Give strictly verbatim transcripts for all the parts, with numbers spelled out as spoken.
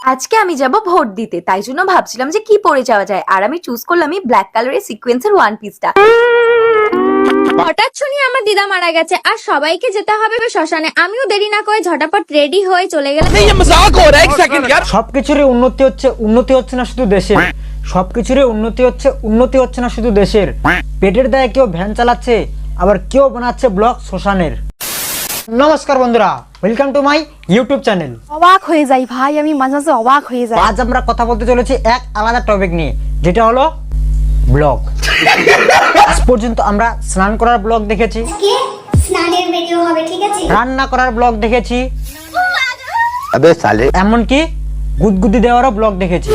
আজকে আমি যাব ভোট দিতে, তাই জন্য ভাবছিলাম যে কি পরে যাওয়া যায়, আর আমি চুজ করলাম এই ব্ল্যাক কালারের সিকোয়েন্সের ওয়ান পিসটা। হঠাৎ শুনি আমার দিদা মারা গেছে আর সবাইকে যেতে হবে শ্মশানে। আমিও দেরি না করে ঝটাপট রেডি হয়ে চলে গেলাম। সবকিছুরই উন্নতি হচ্ছে, উন্নতি হচ্ছে না শুধু দেশের, সবকিছুরই উন্নতি হচ্ছে, উন্নতি হচ্ছে না শুধু দেশের। পেটের দায়ে কেউ ভ্যান চালাচ্ছে, আবার কেউ বানাচ্ছে ব্লগ শ্মশানের। নমস্কার বন্ধুরা, welcome to my YouTube channel. অবাক হয়ে যাই ভাই, আমি মাঝে মাঝে অবাক হয়ে যাই। আজ আমরা কথা বলতে চলেছি এক আলাদা টপিক নিয়ে, যেটা হলো ব্লগ। আজ পর্যন্ত আমরা স্নান করার ব্লগ দেখেছি, স্নানের ভিডিও হবে, ঠিক আছে, রান্না করার ব্লগ দেখেছি, अबे साले এমনকি গুদগুদি দেওয়ারও ব্লগ দেখেছি।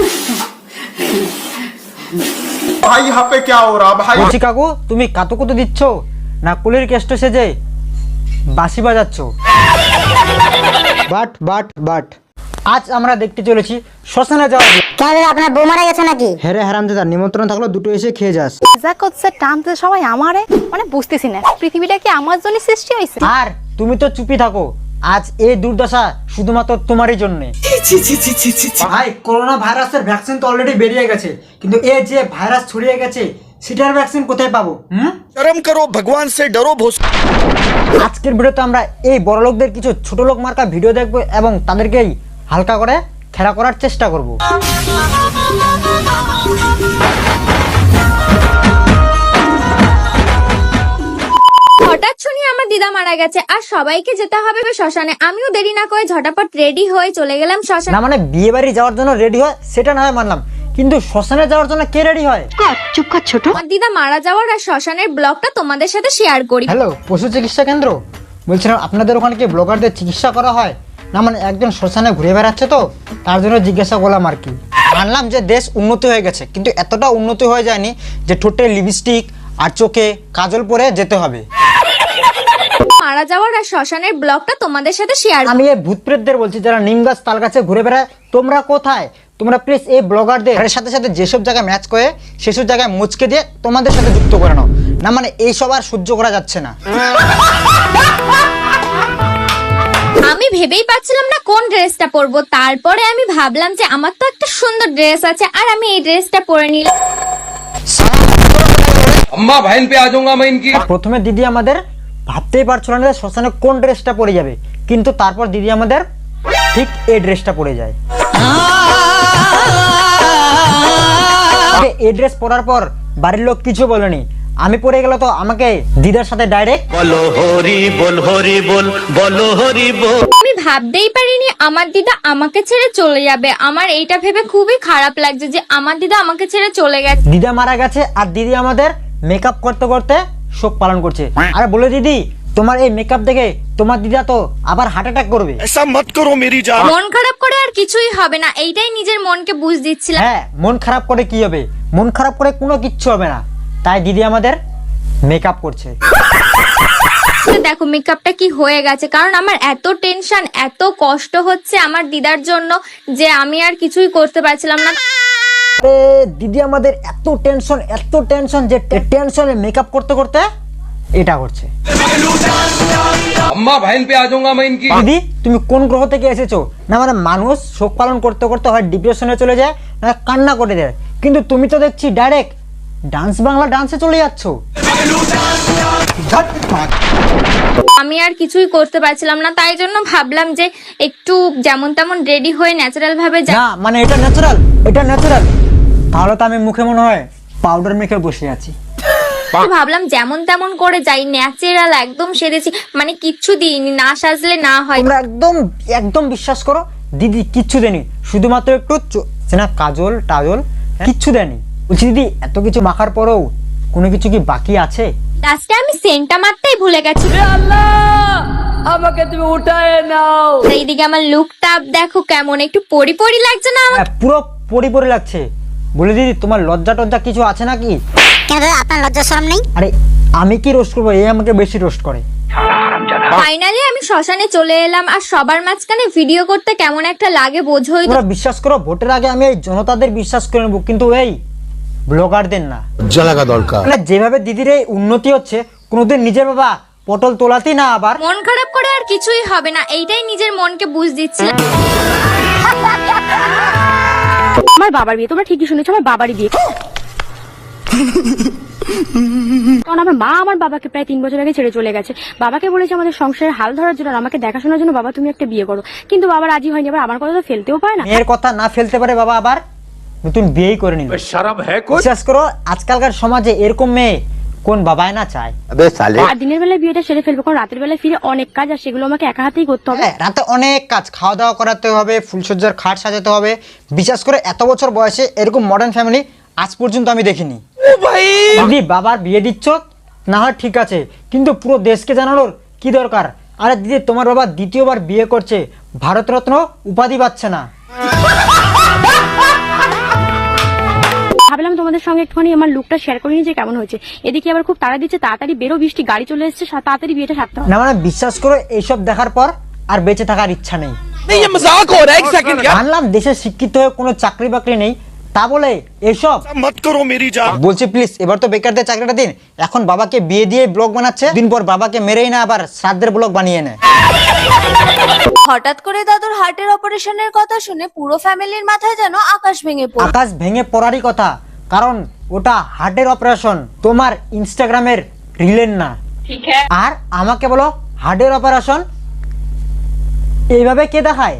भाई यहाँ पे क्या हो रहा भाई? বলছি কাকু, তুমি কাতুকুতু দিচ্ছ না কুলির কেষ্ট সেজে বাঁশি বাজাচ্ছ? বাট বাট বাট আজ আমরা দেখতে চলেছি শ্মশানে যাওয়া। কেন আপনার বউ মারা গেছে নাকি? হেরে হারামজাদা, নিমন্ত্রণ থাকলো দুটো এসে খেয়ে যাস। যা করছে টানতে সবাই আমারে, মানে বুঝতেছি না পৃথিবীটা কি আমার জন্য সৃষ্টি হয়েছে। আর তুমি তো চুপি থাকো, আজ এই দুর্দশা শুধুমাত্র তোমারই জন্য। ভাই, করোনা ভাইরাসের ভ্যাকসিন তো অলরেডি বেরিয়ে গেছে, কিন্তু এই যে ভাইরাস ছড়িয়ে গেছে সেটার ভ্যাকসিন কোথায় পাবো? হুম, शर्म करो, भगवान से डरो भोस। আজকের ভিডিওতে আমরা এই বড় লোকদের কিছু ছোট লোক মার্কা ভিডিও দেখবো এবং তাদেরকেই হালকা করে খেলা করার চেষ্টা করব। হঠাৎ শুনি আমার দিদা মারা গেছে আর সবাইকে যেতে হবে শ্মশানে। আমিও দেরি না করে ঝটাপট রেডি হয়ে চলে গেলাম শ্মশানে। না মানে বিয়ে বাড়ি যাওয়ার জন্য রেডি হয় সেটা না হয় মানলাম, কিন্তু শ্মশানে যাওয়ার জন্য কে রেডি হয়? চুপ কর ছোট। আমার দিদা মারা যাওয়ার আর শ্মশানের ব্লগটা তোমাদের সাথে শেয়ার করি। হ্যালো, পশু চিকিৎসা কেন্দ্র বলছিলাম, আপনাদের ওখানে কি ব্লগারদের চিকিৎসা করা হয়? না মানে একজন শ্মশানে ঘুরে বেড়াচ্ছে তো তার জন্য জিজ্ঞাসা করলাম আর কি। মানলাম যে দেশ উন্নতি হয়ে গেছে, কিন্তু এতটা উন্নতি হয়ে যায়নি যে ঠোঁটে লিপস্টিক আর চোখে কাজল পরে যেতে হবে। মারা যাওয়ার আর শ্মশানের ব্লগটা তোমাদের সাথে শেয়ার। আমি এই ভূত প্রেতদের বলছি যারা নিম গাছ তাল গাছে ঘুরে বেড়ায়, তোমরা কোথায়? তোমরা প্লিজ এই ব্লগারদের সাথে সাথে যেসব জায়গায় ম্যাচ করে সেসব জায়গায় মুচকে দিয়ে তোমাদের সাথে যুক্ত করে নাও। না মানে এইসব আর সহ্য করা যাচ্ছে না। আমি ভেবেই পাচ্ছিলাম না কোন ড্রেসটা পরবো, তারপরে আমি ভাবলাম যে আমার তো একটা সুন্দর ড্রেস আছে আর আমি এই ড্রেসটা পরে নিলাম। अम्मा बहन पे आ जाऊंगा मैं इनकी। প্রথমে দিদি আমাদের ভাবতেই পারছিল না যে শ্মশানে কোন ড্রেসটা পরে যাবে, কিন্তু তারপর দিদি আমাদের ঠিক এই ড্রেসটা পরে যায়। এই ড্রেস পরার পর বাড়ির লোক কিছু বলেনি, আমি পরে গেল তো আমাকে দিদার সাথে ডাইরেক্ট बोलो हरि बोल हरि बोल बोलो हरि बोल। আমি ভাবতেই পারিনি আমার দিদা আমাকে ছেড়ে চলে যাবে। আমার এইটা ভেবে খুবই খারাপ লাগছে যে আমার দিদা আমাকে ছেড়ে চলে গেছে। দিদা মারা গেছে আর দিদি আমাদের মেকআপ করতে করতে শোক পালন করছে। আর বলে দিদি, তোমার এই মেকআপ দেখে তোমার দিদা তো আবার হার্ট অ্যাটাক করবে। ऐसा मत करो मेरी जान। মন খারাপ করে আর কিছুই হবে না, এইটাই নিজের মনকে বুঝ দিচ্ছিলাম। হ্যাঁ, মন খারাপ করে কি হবে? মন খারাপ করে কোনো কিচ্ছু হবে না, তাই দিদি আমাদের মেকআপ করছে। দেখো মেকআপটা কি হয়ে গেছে, কারণ আমার এত টেনশন এত কষ্ট হচ্ছে আমার দিদার জন্য যে আমি আর কিছুই করতে পারছিলাম না। আরে দিদি আমাদের এত টেনশন এত টেনশন যে টেনশনে মেকআপ করতে করতে এটা করছে। अम्मा बहन पे आ जाऊंगा मैं इनकी। দিদি, তুমি কোন গ্রহ থেকে এসেছো? না মানে মানুষ শোক পালন করতে করতে হয় ডিপ্রেশনে চলে যায়, না কান্না করে দেয়, কিন্তু তুমি তো দেখছি ডাইরেক্ট ডান্স বাংলা ডান্সে চলে যাচ্ছ। আমি আর কিছুই করতে পারছিলাম না, তাই জন্য ভাবলাম যে একটু যেমন তেমন রেডি হয়ে ন্যাচারাল ভাবে যা। না মানে এটা ন্যাচারাল, এটা ন্যাচারাল। তাহলে তো আমি মুখে মনে হয় পাউডার মেখে বসে আছি। ভাবলাম যেমন তেমন করে যাই, ন্যাচারাল একদম সেরেছি, মানে কিচ্ছু দিইনি, না সাজলে না হয়। তোমরা একদম একদম বিশ্বাস করো, দিদি কিচ্ছু দেনি, শুধুমাত্র একটু চো- না কাজল টাজল কিচ্ছু দেনি। বলছি দিদি, এত কিছু মাখার পরেও কোনো কিছু কি বাকি আছে? লাস্টে আমি সেন্টটা মারতেই ভুলে গেছি। আমাকে তুমি উঠায় নাও। এইদিকে আমার লুকটা দেখো কেমন, একটু পরি পরি লাগছে না আমার? হ্যাঁ, পুরো পরি পরি লাগছে। বলে দিদি, তোমার লজ্জা টজ্জা কিছু আছে নাকি? কেন দাদা আপনার লজ্জা শরম নেই? আরে আমি কি রোস্ট করবো, এই আমাকে বেশি রোস্ট করে। ফাইনালি আমি শ্মশানে চলে এলাম আর সবার মাঝখানে ভিডিও করতে কেমন একটা লাগে বোঝোই তো। তোমরা বিশ্বাস করো, ভোটের আগে আমি এই জনতাদের বিশ্বাস করে নেবো, কিন্তু এই ব্লগারদের না। जलागा दरकार মানে যেভাবে দিদির এই উন্নতি হচ্ছে, কোনোদিন নিজের বাবা পটল তোলাতেই না আবার। মন খারাপ করে আর কিছুই হবে না, এইটাই নিজের মনকে বুঝ দিচ্ছিলাম। আমার বাবার বিয়ে, তোমরা ঠিকই শুনেছো, আমার বাবারই বিয়ে। কারণ আমার মা আমার বাবাকে প্রায় তিন বছর আগে ছেড়ে চলে গেছে। বাবাকে বলেছে আমাদের সংসারের হাল ধরার জন্য আর আমাকে দেখাশোনার জন্য, বাবা তুমি একটা বিয়ে করো। কিন্তু বাবা রাজি হয়নি। আবার আমার কথা তো ফেলতেও পারে না। মেয়ের কথা না ফেলতে পারে বাবা, আবার নতুন বিয়েই করে নিল। শরম হ্যায় কোই? বিশ্বাস করো আজকালকার সমাজে এরকম মেয়ে কোন বাবাই না চায়। আর দিনের বেলায় বিয়েটা সেরে ফেলবো, কারণ রাতের বেলায় ফিরে অনেক কাজ আর সেগুলো আমাকে একা হাতেই করতে হবে। হ্যাঁ, রাতে অনেক কাজ, খাওয়া দাওয়া করাতে হবে, ফুলসজ্জার খাট সাজাতে হবে। বিশ্বাস করে এত বছর বয়সে এরকম মডার্ন ফ্যামিলি আজ পর্যন্ত আমি দেখিনি। দিদি বাবার বিয়ে দিচ্ছ না হয় ঠিক আছে, কিন্তু পুরো দেশকে জানানোর কি দরকার? আরে দিদি তোমার বাবা দ্বিতীয়বার বিয়ে করছে, ভারতরত্ন উপাধি পাচ্ছে না। ভাবলাম তোমাদের সঙ্গে একটুখানি আমার লুকটা শেয়ার করে নিয়ে যে কেমন হয়েছে। এদিকে আবার খুব তাড়া দিচ্ছে, তাড়াতাড়ি বেরো, বৃষ্টি, গাড়ি চলে এসছে, তাড়াতাড়ি বিয়েটা সারতে হবে। না মানে বিশ্বাস করো এইসব দেখার পর আর বেঁচে থাকার ইচ্ছা নেই। মানলাম দেশে শিক্ষিত হয়ে কোনো চাকরি বাকরি নেই, তা বলে এসব मत करो मेरी जान। বলছি প্লিজ এবার তো বেকারদের চাকরিটা দিন। এখন বাবাকে বিয়ে দিয়ে ব্লগ বানাচ্ছে, দিন পর বাবাকে মেরেই না আবার শ্রাদ্ধের ব্লগ বানিয়ে নেয়। হঠাৎ করে দাদুর হার্টের অপারেশনের কথা শুনে পুরো ফ্যামিলির মাথায় যেন আকাশ ভেঙে পড়ল। আকাশ ভেঙে পড়ারই কথা, কারণ ওটা হার্টের অপারেশন, তোমার ইনস্টাগ্রামের রিলের না। আর আমাকে বলো হার্টের অপারেশন এইভাবে কে দেখায়?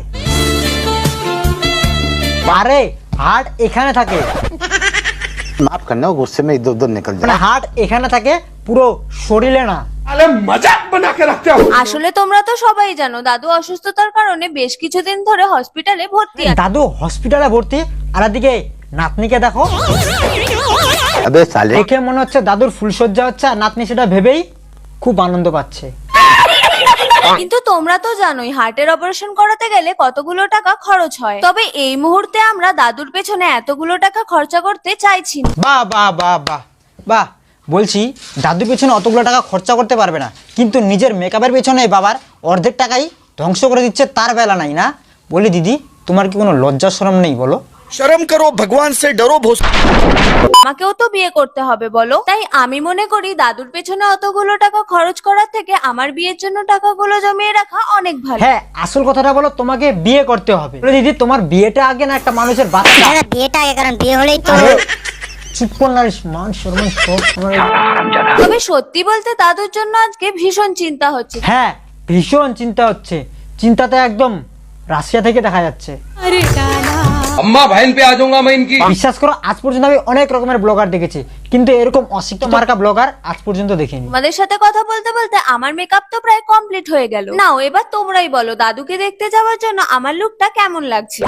আরে হার্ট এখানে থাকে, माफ करना गुस्से में इधर उधर निकल মানে হার্ট এখানে থাকে, পুরো শরীরে না। मजाक बना के रखते हो। আসলে তোমরা তো সবাই জানো দাদু অসুস্থতার কারণে বেশ কিছুদিন ধরে হসপিটালে ভর্তি আছে। দাদু হসপিটালে ভর্তি, আর এদিকে নাতনিকে দেখো। अबे साले দেখে মনে হচ্ছে দাদুর ফুলসজ্জা হচ্ছে, আর নাতনি সেটা ভেবেই খুব আনন্দ পাচ্ছে। কিন্তু তোমরা তো জানোই হার্টের অপারেশন করাতে গেলে কতগুলো টাকা খরচ হয়। তবে এই মুহূর্তে আমরা দাদুর পেছনে এতগুলো টাকা খরচা করতে চাইছি না। বাহ বাহ বাহ বাহ বাহ, বলছি দাদুর পেছনে অতগুলো টাকা খরচা করতে পারবে না, কিন্তু নিজের মেকআপের পেছনে বাবার অর্ধেক টাকাই ধ্বংস করে দিচ্ছে, তার বেলা নাই না? বলি দিদি তোমার কি কোনো লজ্জা শরম নেই বলো? शर्म करो, भगवान से डरो भोस। আমাকেও তো বিয়ে করতে হবে বলো, তাই আমি মনে করি দাদুর পেছনে অতগুলো টাকা খরচ করার থেকে আমার বিয়ের জন্য টাকাগুলো জমিয়ে রাখা অনেক ভালো। হ্যাঁ আসল কথাটা বলো, তোমাকে বিয়ে করতে হবে। বলি দিদি তোমার বিয়েটা আগে না একটা মানুষের বাচ্চা? দাদা বিয়েটা আগে, কারণ বিয়ে হলেই তো আরে, চুপ কর না, মান সম্মান সব আমার- তবে সত্যি বলতে দাদুর জন্য আজকে ভীষণ চিন্তা হচ্ছে। হ্যাঁ ভীষণ চিন্তা হচ্ছে, চিন্তাটা একদম রাশিয়া থেকে দেখা যাচ্ছে। अम्मा बहन पे आ जाऊंगा मैं इनकी। বিশ্বাস করো আজ পর্যন্ত আমি অনেক রকমের ব্লগার দেখেছি, কিন্তু এরকম অশিক্ষিত মার্কা ব্লগার আজ পর্যন্ত দেখিনি। তোমাদের সাথে কথা বলতে বলতে আমার মেকআপ তো প্রায় কমপ্লিট হয়ে গেল। নাও এবার তোমরাই বলো দাদুকে দেখতে যাওয়ার জন্য আমার লুকটা কেমন লাগছে।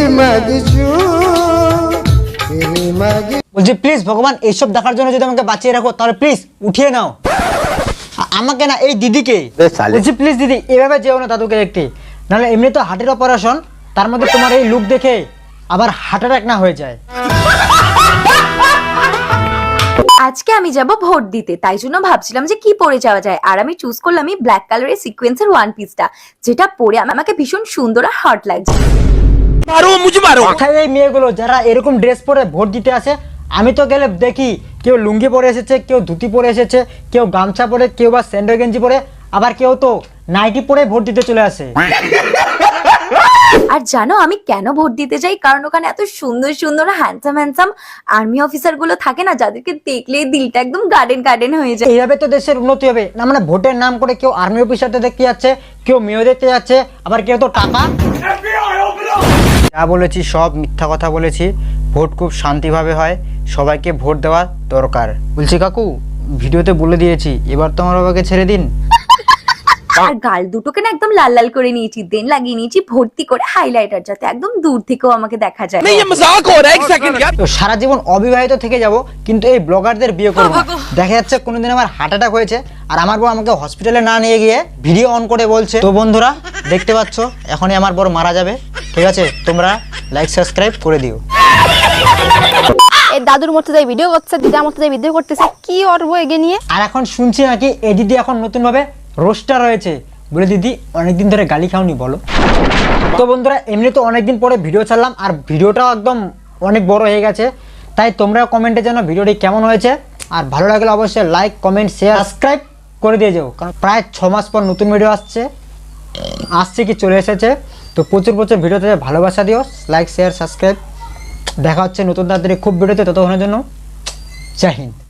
বলছি প্লিজ ভগবান এইসব দেখার জন্য যদি আমাকে বাঁচিয়ে রাখো তাহলে প্লিজ উঠিয়ে নাও। আ- আমাকে না, এই দিদিকে। अबे साले বলছি প্লিজ দিদি এভাবে যেও না দাদুকে দেখতে, নাহলে এমনি তো হার্টের অপারেশন, তার মধ্যে তোমার এই লুক দেখে আবার হার্ট অ্যাটাক না হয়ে যায়। আজকে আমি যাব ভোট দিতে, তাই জন্য ভাবছিলাম যে কি পরে যাওয়া যায়। আর আমি চুজ করলাম এই ব্ল্যাক কালারের সিকোয়েন্সের ওয়ান পিসটা, যেটা পরে আমাকে ভীষণ সুন্দর আর হট লাগছে। मारो मुझे मारो। কোথায় এই মেয়েগুলো যারা এরকম ড্রেস পরে ভোট দিতে আসে? আমি তো গেলে দেখি কেউ লুঙ্গি পরে এসেছে, কেউ ধুতি পরে এসেছে, কেউ গামছা পরে, কেউ বা স্যান্ডো গেঞ্জি পরে, আবার কেউ তো নাইটি পরে ভোট দিতে চলে আসে। আর জানো আমি কেন ভোট দিতে যাই? কারণ ওখানে এত সুন্দর সুন্দর হ্যান্ডসাম হ্যান্ডসাম আর্মি অফিসার গুলো থাকে না, যাদেরকে দেখলে দিলটা একদম গার্ডেন গার্ডেন হয়ে যায়। এইভাবে তো দেশের উন্নতি হবে না? মানে ভোটের নাম করে কেউ আর্মি অফিসারদের দেখতে যাচ্ছে, কেউ মেয়ে দেখতে যাচ্ছে, আবার কেউ তো টাকা। যা বলেছি সব মিথ্যা কথা বলেছি। ভোট খুব শান্তিভাবে হয়, সবাইকে ভোট দেওয়া দরকার। বলছি কাকু ভিডিওতে বলে দিয়েছি, এবার তো আমার বাবাকে ছেড়ে দিন। আর গাল দুটোকে না একদম লাল লাল করে নিয়েছি, দেন লাগিয়ে নিয়েছি ভর্তি করে হাইলাইটার, যাতে একদম দূর থেকেও আমাকে দেখা যায়। नहीं ये मजाक हो रहा है, एक सेकंड यार। তো সারা জীবন অবিবাহিত থেকে যাব, কিন্তু এই ব্লগারদের বিয়ে করব না। দেখা যাচ্ছে কোনোদিন আমার হার্ট অ্যাটাক হয়েছে আর আমার বউ আমাকে হসপিটালে না নিয়ে গিয়ে ভিডিও অন করে বলছে। তো বন্ধুরা দেখতে পাচ্ছ এখনই আমার বড় মারা যাবে, ঠিক আছে? তোমরা লাইক সাবস্ক্রাইব করে দিও। এই দাদুর মতো যাই ভিডিও করছে, দিদার মতো যাই ভিডিও করতেছে, কি অর্ব এগে নিয়ে। আর এখন শুনছি নাকি এই দিদি এখন নতুন ভাবে রোস্টার হয়েছে। বলে দিদি অনেকদিন ধরে গালি খাওনি বলো? তো বন্ধুরা এমনি তো অনেকদিন পরে ভিডিও ছাড়লাম, আর ভিডিওটাও একদম অনেক বড় হয়ে গেছে, তাই তোমরা কমেন্টে জানো ভিডিওটি কেমন হয়েছে। আর ভালো লাগলে অবশ্যই লাইক কমেন্ট শেয়ার সাবস্ক্রাইব করে দিয়ে যাও, কারণ প্রায় ছ মাস পর নতুন ভিডিও আসছে আসছে কি চলে এসেছে। তো প্রচুর প্রচুর ভিডিওতে ভালোবাসা দিও, লাইক শেয়ার সাবস্ক্রাইব দেখা হচ্ছে নতুন তাড়াতাড়ি খুব ভিডিওতে, ততক্ষণের জন্য জয় হিন্দ।